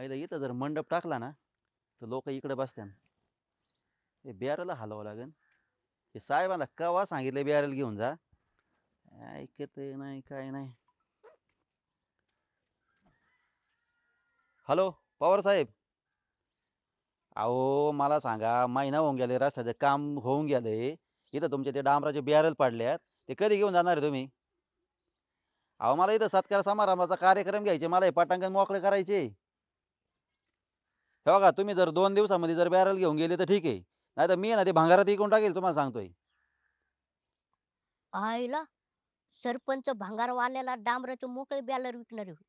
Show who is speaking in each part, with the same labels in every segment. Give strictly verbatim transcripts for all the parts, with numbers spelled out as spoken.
Speaker 1: आईला इथं जर मंडप टाकला ना तर लोक इकडे बसत्यान. हे बियाराला हलवावं लागेल. हे साहेबाला कवा सांगितलं बियाराला घेऊन जा. ऐकत नाही काय नाही. हॅलो पवार साहेब. अहो मला सांगा महिना होऊन गेले रस्त्याचं काम होऊन गेले. इथं तुमचे ते डांबराचे बियारल पडल्यात. ते कधी घेऊन जाणार आहे तुम्ही? अहो मला इथं सत्कार समारंभाचा कार्यक्रम घ्यायचे. मला हे पटांगण मोकळे करायचे. हे बघा तुम्ही जर दोन दिवसामध्ये जर बॅरल घेऊन गेले तर ठीक आहे. नाही तर मी ना ते भांगारात विकून टाकेल तुम्हाला सांगतोय.
Speaker 2: आईला सरपंच भंगारवाल्याला डांबराचे मोकळे बॅलर विकणार आहे.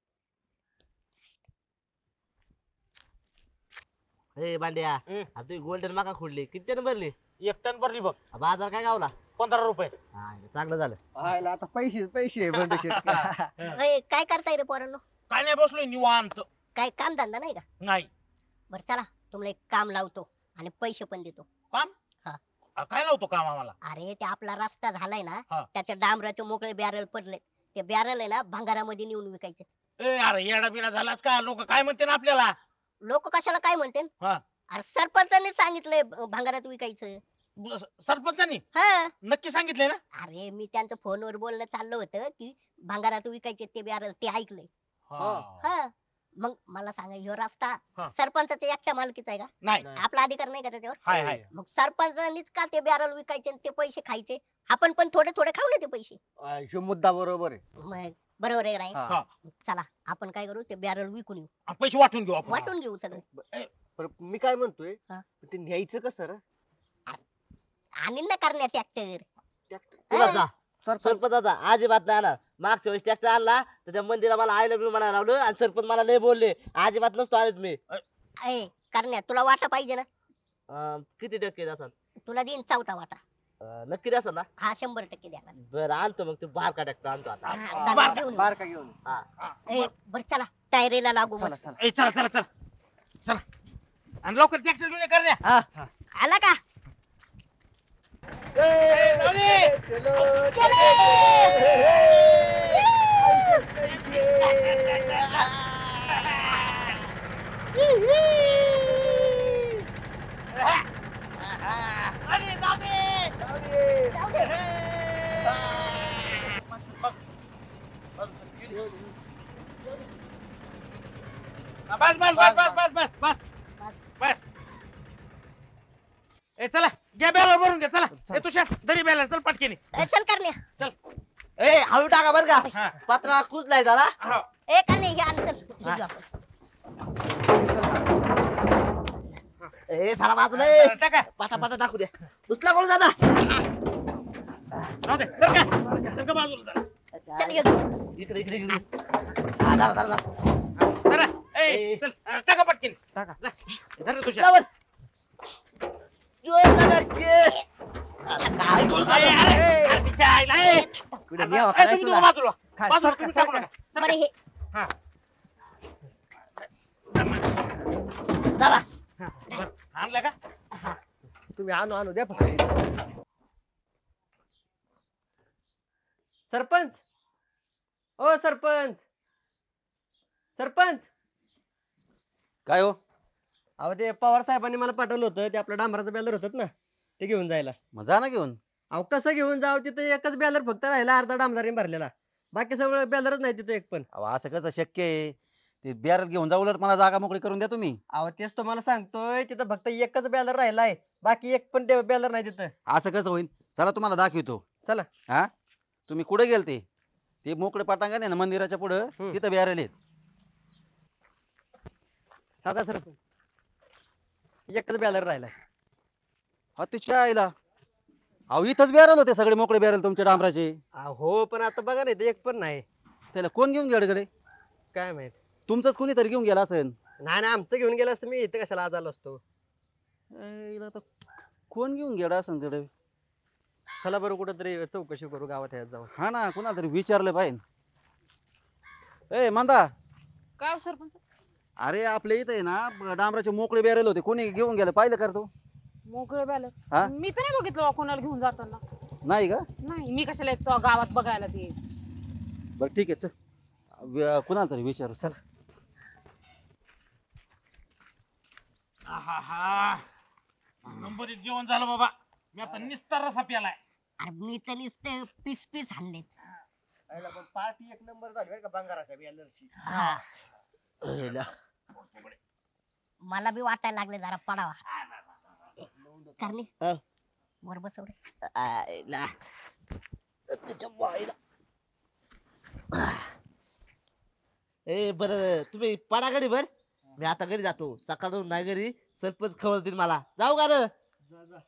Speaker 3: ए बांड्या
Speaker 4: हम्म.
Speaker 3: आता तुम्ही गोल्डन माका खोडली किती टन भरली?
Speaker 4: एक टन भरली बघ.
Speaker 3: बाजार काय गावला?
Speaker 4: पंधरा रुपये.
Speaker 3: हा, चांगलं झालं.
Speaker 5: आयला आता पैसे पैसे बंड शेट
Speaker 2: अय, काय करताय रे पोरांनो?
Speaker 4: काय नाही बसलोय निवांत.
Speaker 2: काय काम धंदा नाही का?
Speaker 4: नाही
Speaker 2: बरं चला तुम्हाला एक काम लावतो आणि पैसे पण देतो.
Speaker 4: काम.
Speaker 2: हा.
Speaker 4: अ, काय नव्हतं काम आम्हाला.
Speaker 2: अरे ते आपला रस्ता झालाय ना
Speaker 4: हा.
Speaker 2: त्याच्या डांबराचे मोकळे बॅरल पडले. ते बॅरल आहे ना भंगारामध्ये नेऊन विकायचे.
Speaker 4: ए अरे येडा बिडा झालास का? लोक काय म्हणते ना आपल्याला.
Speaker 2: लोक कशाला काय म्हणते?
Speaker 4: हा.
Speaker 2: अरे सरपंचाने सांगितलंय भ- भंगारात विकायचं.
Speaker 4: ब- स- सरपंचानी
Speaker 2: हा.
Speaker 4: नक्की सांगितलंय ना?
Speaker 2: अरे मी त्यांचं फोनवर बोलणं चाललं होतं की भंगारात विकायचे ते बॅरल ते ऐकलंय.
Speaker 4: हा.
Speaker 2: हा. मग मला सांगा ह्यो रस्ता
Speaker 4: हा.
Speaker 2: सरपंचाच्या एकट्या मालकीचा आहे का?
Speaker 4: नाही.
Speaker 2: आपला अधिकार नाही का त्याच्यावर?
Speaker 4: हाय हाय.
Speaker 2: मग सरपंचानीच का ते बॅरल विकायचे आणि ते पैसे खायचे? आपण पण थोडे थोडे खाऊ ना ते पैसे.
Speaker 5: ह्यो मुद्दा बरोबर आहे.
Speaker 2: मग बरोबर आहे राईट.
Speaker 5: हा.
Speaker 4: हा.
Speaker 2: चला आपण काय करू ते बॅरल विकून येऊ.
Speaker 4: आ, पैसे वाटून घेऊ आपण.
Speaker 2: वाटून घेऊ सगळे.
Speaker 5: पण मी काय म्हणतोय
Speaker 2: हा.
Speaker 5: ते न्यायचं कसं रे?
Speaker 2: आणि ना करण्या ट्रॅक्टर.
Speaker 3: तुला जा
Speaker 5: सरपंच
Speaker 3: सरपंचाचा अजिबात नाही आणणार. मागच्या वेळेस ट्रॅक्टर आणला तर त्या मंदिरा मला आय लव्ह यू म्हणायला लावलं आणि सरपंच मला लय बोलले. अजिबात नसतो आले तुम्ही.
Speaker 2: ए करण्या तुला वाटा पाहिजे ना?
Speaker 3: अं, किती टक्के द्याल?
Speaker 2: तुला देईन चौथा वाटा.
Speaker 3: नक्की द्याल ना?
Speaker 2: हा शंभर टक्के द्या.
Speaker 3: बरं आणतो मग ते बारका ट्रॅक्टर आणतो आता.
Speaker 2: हा, चला, घेऊन येऊ.
Speaker 5: बारका घेऊन ये.
Speaker 3: हा.
Speaker 2: ए, बरं चला टायरीला लागू
Speaker 5: चला
Speaker 2: मस्त.
Speaker 5: चला
Speaker 4: ए चला चला चला चला. आणि लवकर ट्रॅक्टर घेऊन ये करण्या.
Speaker 5: हा.
Speaker 2: आला का?
Speaker 4: ए, जाऊ दे.
Speaker 2: चले.
Speaker 4: अरे, जाऊ दे.
Speaker 2: जाऊ दे.
Speaker 4: बस बस बस बस बस बस बस
Speaker 2: बस.
Speaker 4: बस. ए चला घ्या बॅलर भरून घ्या. चला ए तुषार दरी बॅलर चल पटकेनी.
Speaker 2: ए, चल करण्या.
Speaker 4: चल.
Speaker 3: ए हळू टाका बरं
Speaker 4: हा.
Speaker 3: का पत्रा कुजलाय जरा.
Speaker 4: हा.
Speaker 2: ए करण्या हे आण चल. हे
Speaker 3: हा.
Speaker 2: घेऊ आपण.
Speaker 3: ए सारा बाजूला ए.
Speaker 4: चला, टाका.
Speaker 3: पाटा पाटा टाकू द्या. उचला कोण दादा.
Speaker 4: जाऊ दे. सर का सर का बाजूला जरा.
Speaker 2: चल ये घेऊ.
Speaker 3: इकडे इकडे इकडे हा दादा दादा
Speaker 4: जरा ए
Speaker 3: ए.
Speaker 4: चल अ, टाका पटकेनी.
Speaker 5: टाका.
Speaker 4: जा. धर रे तुषार.
Speaker 3: लावर. जोर दादा के. काय जोर
Speaker 4: ए,
Speaker 3: दादा.
Speaker 4: अरे, अरे, तिच्या आईला, ए.
Speaker 5: कुठे
Speaker 4: ए,
Speaker 5: न्यावं
Speaker 4: तुम्ही
Speaker 5: काय
Speaker 4: दोघं
Speaker 5: तुला?
Speaker 4: बाजूला
Speaker 5: काय,
Speaker 4: बाजूला
Speaker 5: सरका,
Speaker 4: तुम्ही टाकू
Speaker 5: सरका.
Speaker 4: नका. सरका.
Speaker 2: बरं हे
Speaker 4: हा.
Speaker 3: दादा
Speaker 4: हा, बरं. आणलं का?
Speaker 5: तुम्ही आणू आणू द्या फक्त. सरपंच ओ सरपंच सरपंच
Speaker 1: काय हो?
Speaker 5: अहो ते पवार साहेबांनी मला पाठवलं होतं ते आपलं डांबराचं बॅलर होतं ना ते घेऊन जायला.
Speaker 1: मग जा ना घेऊन.
Speaker 5: अहो कसं घेऊन जाऊ तिथे एकच बॅलर फक्त राहिला अर्धा डांबराने भरलेला. बाकी सगळं बॅलरच नाही तिथे एक पण.
Speaker 1: अहो असं कसं शक्य आहे? ते बॅरल घेऊन जा. उलट मला जागा मोकळी करून द्या तुम्ही.
Speaker 5: अहो तेच तुम्हाला सांगतोय तिथं फक्त एकच बॅलर राहिलाय. बाकी एक पण बॅलर नाही तिथं.
Speaker 1: असं कसं होईल? चला तुम्हाला दाखवतो.
Speaker 5: चला.
Speaker 1: हा तुम्ही कुठे गेलते? ते मोकळे पटांगण आहे ना मंदिराच्या पुढं.
Speaker 5: हम्म.
Speaker 1: तिथं बॅरल आहेत.
Speaker 5: हा का सरपंच एकच बॅलर राहिलाय.
Speaker 1: हा तिच्या आईला. अहो इथंच बॅरल होते सगळे मोकळे बॅरल तुमच्या डांबराचे.
Speaker 5: हो पण आता बघा नाही एक पण नाही.
Speaker 1: त्याला कोण घेऊन गेलं कडे?
Speaker 5: काय माहित.
Speaker 1: तुमचंच कोणीतरी घेऊन गेला असेल.
Speaker 5: नाही नाही आमचं घेऊन गेलं असतं मी इथे कशाला आज आलो असतो.
Speaker 1: आईला आता कोण घेऊन गेला असेल तिकडे?
Speaker 5: चला बरं कुठंतरी चौकशी करू गावात ह्यात जाऊन.
Speaker 1: हा ना कुणाला तरी विचारलं पाहिजे. ए मंदा.
Speaker 6: काय हो सरपंच?
Speaker 1: अरे आपल्या इथे आहे ना डांबराचे मोकळे बॅरल होते. कोणी घेऊन गेलं पाहिलं कर तू?
Speaker 6: मोकळे
Speaker 1: हा?
Speaker 6: बॅलर मी तर नाही बघितलं बा कोणाला घेऊन जाताना.
Speaker 1: नाही का?
Speaker 6: नाही मी कशाला येतो गावात बघायला ते.
Speaker 1: बरं ठीक आहे चल. व- कुणाला तरी विचारू चल.
Speaker 4: आहाहा. नंबरीत जेवण झालं बाबा. मी आता निस्तार रसा प्यालाय.
Speaker 2: अरे मी तर नुसते पीस पीस हाणलेत.
Speaker 5: पण पार्टी एक नंबर झाली बरं का बंगाराच्या बॅलरची.
Speaker 2: हा
Speaker 3: आईला.
Speaker 2: मला बी वाटायला लागले जरा पडावा. करणे
Speaker 3: हा.
Speaker 2: वर बसव रे.
Speaker 3: आईला. त्याच्या बाईला. ए बर तुम्ही पडा घरी बर मी आता घरी जातो सकाळून नाही घरी सरपंच खवळतील मला जाऊ का रे
Speaker 5: जा जा.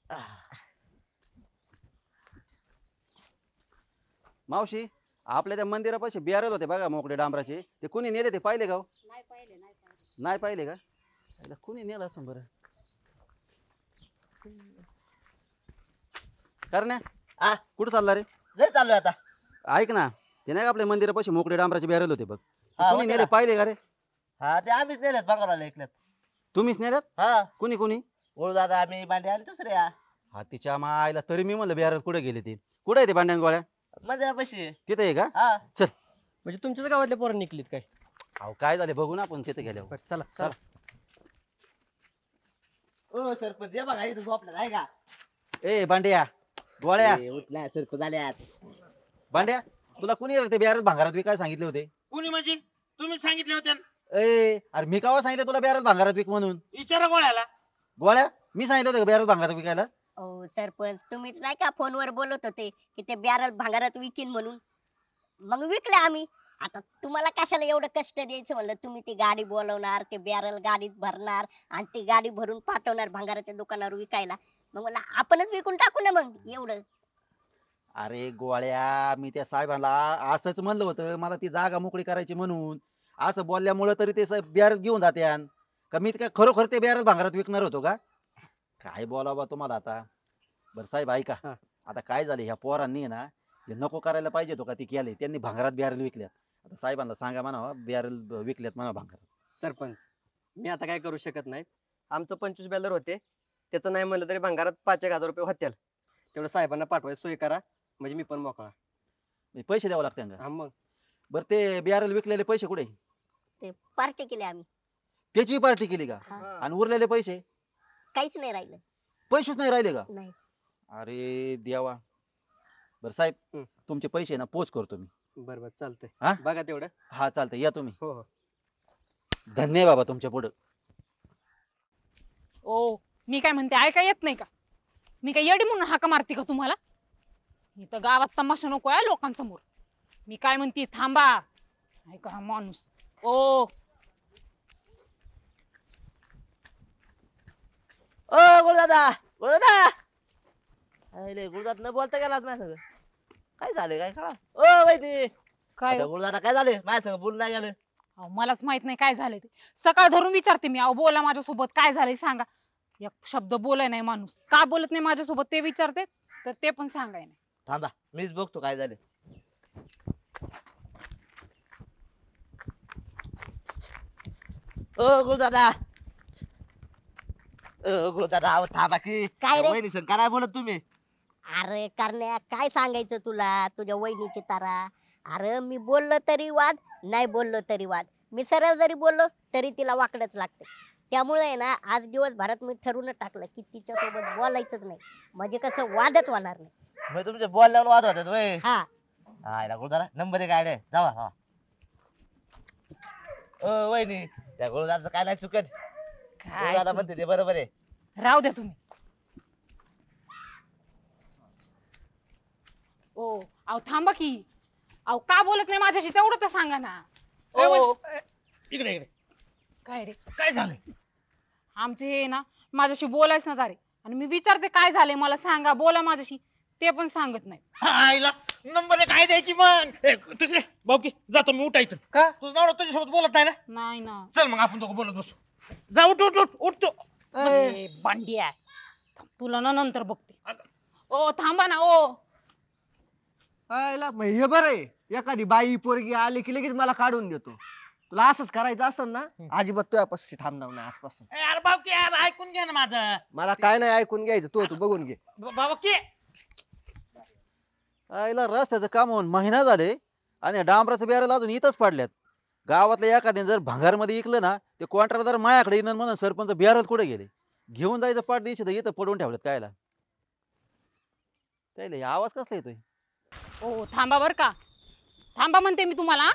Speaker 1: मावशी आपल्या त्या मंदिरापाशी बियारल होते बघा मोकळे डांबराचे ते कुणी नेले ते पाहिले का हो? नाही पाहिले का याला कुणी नेलं असं बरं करण्या
Speaker 3: आ
Speaker 1: कुठं चालला रे
Speaker 3: घरी चाललोय आता
Speaker 1: ऐक ना ते नाही का आपल्या मंदिरापाशी मोकळे डांबराचे बियारल होते बग ते
Speaker 3: हा,
Speaker 1: कुणी
Speaker 3: होते
Speaker 1: नेले
Speaker 3: ना.
Speaker 1: पाहिले का रे
Speaker 3: हा ते आम्हीच नेलेत बंगाला ऐकल्यात
Speaker 1: तुम्हीच नेल्यात
Speaker 3: हा
Speaker 1: कुणी कुणी
Speaker 3: ओळू दादा आम्ही भांडे आणि दुसऱ्या
Speaker 1: हा तिच्या मायला तरी मी म्हणलं बियारल कुठे गेले ते कुठे आहे ते भांड्यान गोळ्या
Speaker 3: मंदिरापाशी
Speaker 1: तिथे आहे का
Speaker 3: हा
Speaker 1: चल
Speaker 5: म्हणजे तुमच्याच गावातले पोरं निघलीत काय?
Speaker 1: अहो काय झाले बघू ना आपण तिथे गेल्यावर
Speaker 5: बरं, चला
Speaker 1: चला.
Speaker 3: ओ सरपंच ये बघा इथं झोपला आहे का
Speaker 1: ए भांड्या गोळ्या
Speaker 3: ए, उठला सरपंच आल्यात
Speaker 1: भांड्या तुला कुणी रे ते बियारल भांगारात विकायला सांगितले होते
Speaker 4: कुणी म्हणजे तुम्ही सांगितले होते ना.
Speaker 1: ए अरे मी कावा सांगितलं तुला बियारल भांगारात विक म्हणून
Speaker 4: विचारा गोळ्याला.
Speaker 1: गोळ्या मी सांगितलं होतं बियारल भांगारात विकायला
Speaker 2: ओ सरपंच तुम्हीच नाही का फोनवर बोलत होते की ते बॅरल भांगारात विकीन म्हणून मग विकले आम्ही. आता तुम्हाला कशाला एवढं कष्ट द्यायचं म्हणलं तुम्ही ती गाडी बोलवणार ते बॅरल गाडीत भरणार आणि ती गाडी भरून पाठवणार भांगाराच्या दुकानावर विकायला मग मला आपणच विकून टाकू ना मग एवढं.
Speaker 1: अरे गोळ्या मी त्या साहेबांना असंच म्हणलं होतं मला ती जागा मोकळी करायची म्हणून असं बोलल्यामुळे तरी ते साहेब बियारल घेऊन जात्यान का मी काय खरोखर ते बियारल भांगारात विकणार होतो का काय बोलावं तुम्हाला आता बरं साहेब ऐका
Speaker 5: हा.
Speaker 1: आता काय झाले ह्या पोरांनी ना जे नको करायला पाहिजे होतं का ती केले त्यांनी भांगारात बियारल विकल्यात आता साहेबांना सांगा म्हणा बियारल विकल्यात म्हणा भांगारात
Speaker 5: सरपंच मी आता काय करू शकत नाही. आमचं पंचवीस बॅलर होते त्याचं नाही म्हणलं तरी भंगारात पाच एक हजार रुपये होतील तेवढं साहेबांना पाठवायची सोय करा म्हणजे मी पण मोकळा.
Speaker 1: म्हणजे पैसे द्यावं लागते का
Speaker 5: हा मग
Speaker 1: बरं ते बियारल विकलेले पैसे कुठे
Speaker 2: ते पार्टी केली आम्ही.
Speaker 1: त्याची पार्टी केली का
Speaker 2: हा.
Speaker 1: आणि उरलेले पैसे
Speaker 2: काहीच नाही राहिलं.
Speaker 1: पैसेच नाही राहिले का
Speaker 2: नाही
Speaker 1: अरे देवा बर साहेब
Speaker 5: हम्म.
Speaker 1: तुमचे पैसे ना पोच करतो मी
Speaker 5: बरं बरं चालतंय
Speaker 1: हा?
Speaker 5: बघा तेवढं.
Speaker 1: हा चालतंय या तुम्ही
Speaker 5: हो हो
Speaker 1: धन्य आहे बाबा तुमच्या पुढं
Speaker 6: ओ मी काय म्हणते ऐका येत नाही का मी काय येडी म्हणून हाका मारते का तुम्हाला इथं गावात तमाशा नको आहे लोकांसमोर मी काय म्हणते थांबा ऐका हा माणूस ओ
Speaker 3: ओ गुरुदादा गुरुदादा अरे गुरुदादा न बोलता गेला आज माझ्या संग काय झाले काय कळा ओ वैदी
Speaker 6: काय हो?
Speaker 3: गुरुदादा काय झाले माझ्या संग बोलून नाही गेलं
Speaker 6: अहो, मलाच माहित नाही काय झालंय ते सकाळ धरून विचारते मी अहो बोला माझ्यासोबत काय झालंय सांगा एक शब्द बोलाय नाही माणूस का बोलत नाही माझ्यासोबत ते विचारते तर ते पण सांगाय नाही
Speaker 3: थांबा मीच बघतो काय झाले ओ गुरुदादा ओ गुरुदादा अहो थांबा की
Speaker 2: काय रे?
Speaker 3: वहिनी संग काय बोलत तुम्ही
Speaker 2: अरे करण्या काय सांगायचं तुला तुझ्या वहिनीची तारा. अरे मी बोललो तरी वाद नाही बोललो तरी वाद मी सरळ जरी बोललो तरी तिला वाकडच लागते. त्यामुळे आहे ना आज दिवसभरात मी ठरवून टाकलं की तिच्या सोबत बोलायचंच नाही म्हणजे कसं वादच होणार नाही.
Speaker 3: मग तुमचे बोलल्यावर वाद होतात वय
Speaker 2: हा
Speaker 3: आयला गुरुदादा नंबर एक आयडे जावा जावा ओ वहिनी त्या गुरुदादा काय नाही चुकत
Speaker 6: काय
Speaker 3: गुरुदादा म्हणते ते बरोबर आहे
Speaker 6: राहू द्या तुम्ही ओ अहो थांबा की अहो का बोलत नाही माझ्याशी तेवढं तर सांगा ना
Speaker 4: ए,
Speaker 6: ओ
Speaker 4: वै- ए, इकडे इकडे
Speaker 6: काय रे
Speaker 4: काय झालंय
Speaker 6: आमचे हे ना माझ्याशी बोलायच ना तारे आणि मी विचारते काय झालंय मला सांगा बोला माझ्याशी ते पण सांगत नाही
Speaker 4: हा, आईला नंबर एक आहे द्यायची मग ए, दुसरे भाऊ की जातो मी उठायचं
Speaker 5: का?
Speaker 4: तुझं नवरा तुझ्यासोबत बोलत नाही ना
Speaker 6: नाही ना
Speaker 4: चल मग आपण दोघं बोलत बसू जा उठ उठ उठ उठ तू
Speaker 6: ए, बांडिया थांब, तुला ना नंतर बघते ओ थांबा ना ओ
Speaker 5: आयला मग हे बरं आहे एखादी बाई पोरगी आली की लगेच मला काढून देतो. तुला असंच करायचं असेल ना अजिबात तुझ्यापासून थांबणार नाही आजपासून.
Speaker 4: ए, अरे भाऊ की यार ऐकून घे ना माझं
Speaker 5: मला काय नाही ऐकून घ्यायचं तू तू बघून घे.
Speaker 4: ब- बाबा की
Speaker 1: आईला रस्त्याचं काम होऊन महिना झाले आणि डांबराचं बियारल अजून इथंच पडल्यात गावातल्या एखाद्याने जर भंगारमध्ये इकलं ना ते कॉन्ट्रॅक्टर माझ्याकडे येईन म्हणून सरपंच बिहारात कुठे गेले घेऊन जायचं पाठ दिवशी तर इथं पडून ठेवलेत कायला त्याला हे आवाज कसला येतोय
Speaker 6: ओ थांबा बर का थांबा म्हणते मी तुम्हाला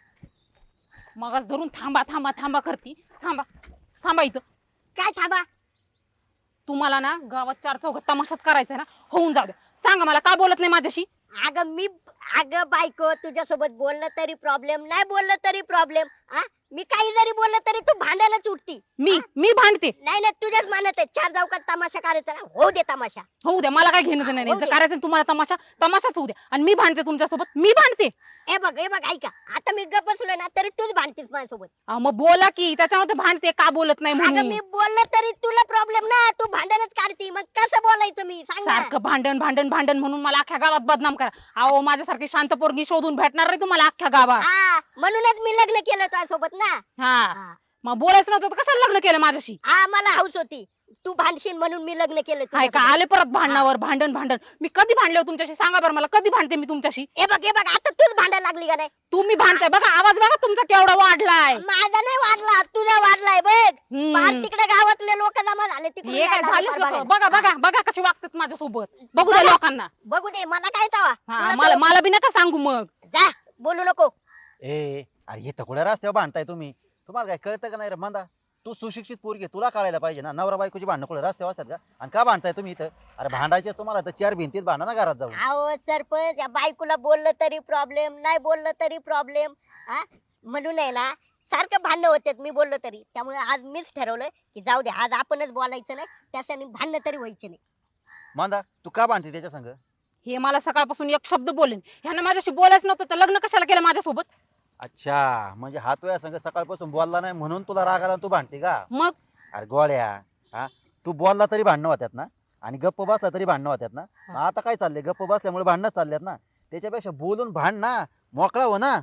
Speaker 6: मगच धरून थांबा थांबा थांबा करती थांबा थांबा इथं
Speaker 2: काय थांबा
Speaker 6: तुम्हाला ना गावात चार चौघात तमाशाच करायचा ना होऊन जाऊ द्या सांगा मला का बोलत नाही माझ्याशी
Speaker 2: अगं मी अगं बायको तुझ्यासोबत बोललं तरी प्रॉब्लेम नाही बोललं तरी प्रॉब्लेम आ मी काही जरी बोललं तरी तू भांडायलाच उठती
Speaker 6: मी मी भांडते
Speaker 2: नाही नाही तुझ्याच मनात आहे चार चौकात तमाशा करायचा ना होऊ दे तमाशा
Speaker 6: होऊ द्या मला काय घेणं देणं नाही
Speaker 2: होऊ
Speaker 6: जर
Speaker 2: दे.
Speaker 6: करायचं ना तुम्हाला तमाशा तमाशाच होऊ द्या आणि मी भांडते तुमच्यासोबत मी भांडते
Speaker 2: हे बघ हे बघ ऐका आता मी गप्प बसलोय ना तरी तूच भांडतीस माझ्यासोबत
Speaker 6: अहो, मग बोला की त्याच्यामध्ये भांडते का बोलत नाही
Speaker 2: अगं
Speaker 6: म्हणून
Speaker 2: मी बोललं तरी तुला प्रॉब्लेम ना तू भांडणच काढती मग कसं बोलायचं मी सांग ना
Speaker 6: सारखं भांडण भांडण भांडण म्हणून मला अख्ख्या गावात बदनाम करा अहो माझ्यासारखी शांत पोरगी शोधून भेटणार नाही तुम्हाला अख्ख्या गावात
Speaker 2: हा म्हणूनच मी लग्न केलं तुझ्यासोबत ना
Speaker 6: हा
Speaker 2: हा.
Speaker 6: मग बोलायचं नव्हतं तर कशाला लग्न केलं माझ्याशी
Speaker 2: हा मला हौस होती तू भांडशील म्हणून मी लग्न केलं
Speaker 6: हाय का
Speaker 2: तुझ्यासोबत.
Speaker 6: आले परत भांडणावर भांडण भांडण मी कधी भांडले हो तुमच्याशी सांगा बरं मला कधी भांडते मी तुमच्याशी
Speaker 2: हे बघ हे बघ आता तूच भांडायला लागली का नाही
Speaker 6: तुम्ही भांडताय बघा आवाज बघा तुमचा केवढा वाढलाय
Speaker 2: माझा नाही वाढला तुझा वाढलाय बघ
Speaker 6: हम्म.
Speaker 2: पार तिकडे गावातले लोक जमा झाले तिकडे
Speaker 6: हे काय झालेच लोकं. बघा बघा बघा कसे वागतात माझ्यासोबत बघू द्या
Speaker 2: बघा.
Speaker 6: लोकांना
Speaker 2: बघू दे मला काय तवा
Speaker 6: हा
Speaker 2: तुला
Speaker 6: मला
Speaker 2: सवय-
Speaker 6: मला बी नका सांगू मग
Speaker 2: जा बोलू नको
Speaker 1: ए अरे हे कुठे रस्त्यावर भांडताय तुम्ही तुम्हाला काय कळतं का नाही रे मंदा तू सुशिक्षित पोरगी आहे, तुला कळायला पाहिजे ना नवरा बायकोची भांडणं कुठे रस्त्यावर असतात का आणि का भांडताय तुम्ही इथं अरे भांडायचे तुम्हाला तर चार भिंतीत भांडा ना घरात जाऊन
Speaker 2: अहो सरपंच या बायकोला बोललं तरी प्रॉब्लेम नाही बोललं तरी प्रॉब्लेम हा म्हणून आहे ना सारखं भांडणं होतात मी बोललो तरी त्यामुळे आज मीच ठरवलंय की जाऊ दे आज आपणच बोलायचं नाही त्यासाठी भांडणं तरी व्हायचे नाही
Speaker 1: मंदा तू का भांडते त्याच्या संग
Speaker 6: हे मला सकाळपासून एक शब्द बोलेन ह्यानं माझ्याशी बोलायचं नव्हतं तर लग्न कशाला केलं माझ्यासोबत
Speaker 1: अच्छा म्हणजे हा तुझ्या संग सकाळपासून बोलला नाही म्हणून तुला राग आला आणि तू भांडते का
Speaker 6: मग
Speaker 1: अरे गोळ्या हा तू बोलला तरी भांडणं होत्यात ना आणि गप्प बसला तरी भांडणं होत्यात ना मग आता काय चाललंय गप्प बसल्यामुळे भांडणं चालल्यात ना त्याच्यापेक्षा बोलून भांड ना मोकळा हो ना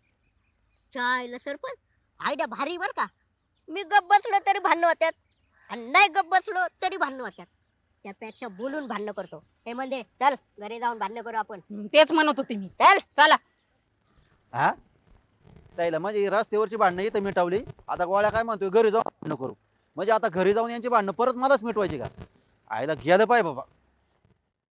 Speaker 2: चायला सरपंच आयडिया भारी बर का मी गप बसलो तरी भांडणं होत्यात आणि नाही गप बसलो तरी भांडणं होत्यात त्यापेक्षा बोलून भांडणं करतो हे म्हणजे चल घरी जाऊन भांडणं करू आपण
Speaker 6: हम्म, तेच म्हणत होते मी
Speaker 2: चल
Speaker 6: चला
Speaker 1: हा त्याला म्हणजे रस्त्यावरची भांडणं इथं मिटवली आता गोळ्या काय म्हणतोय घरी जाऊन भांडणं करू म्हणजे आता घरी जाऊन यांची भांडणं परत मलाच मिटवायची का आईला गेलं पाहिजे बाबा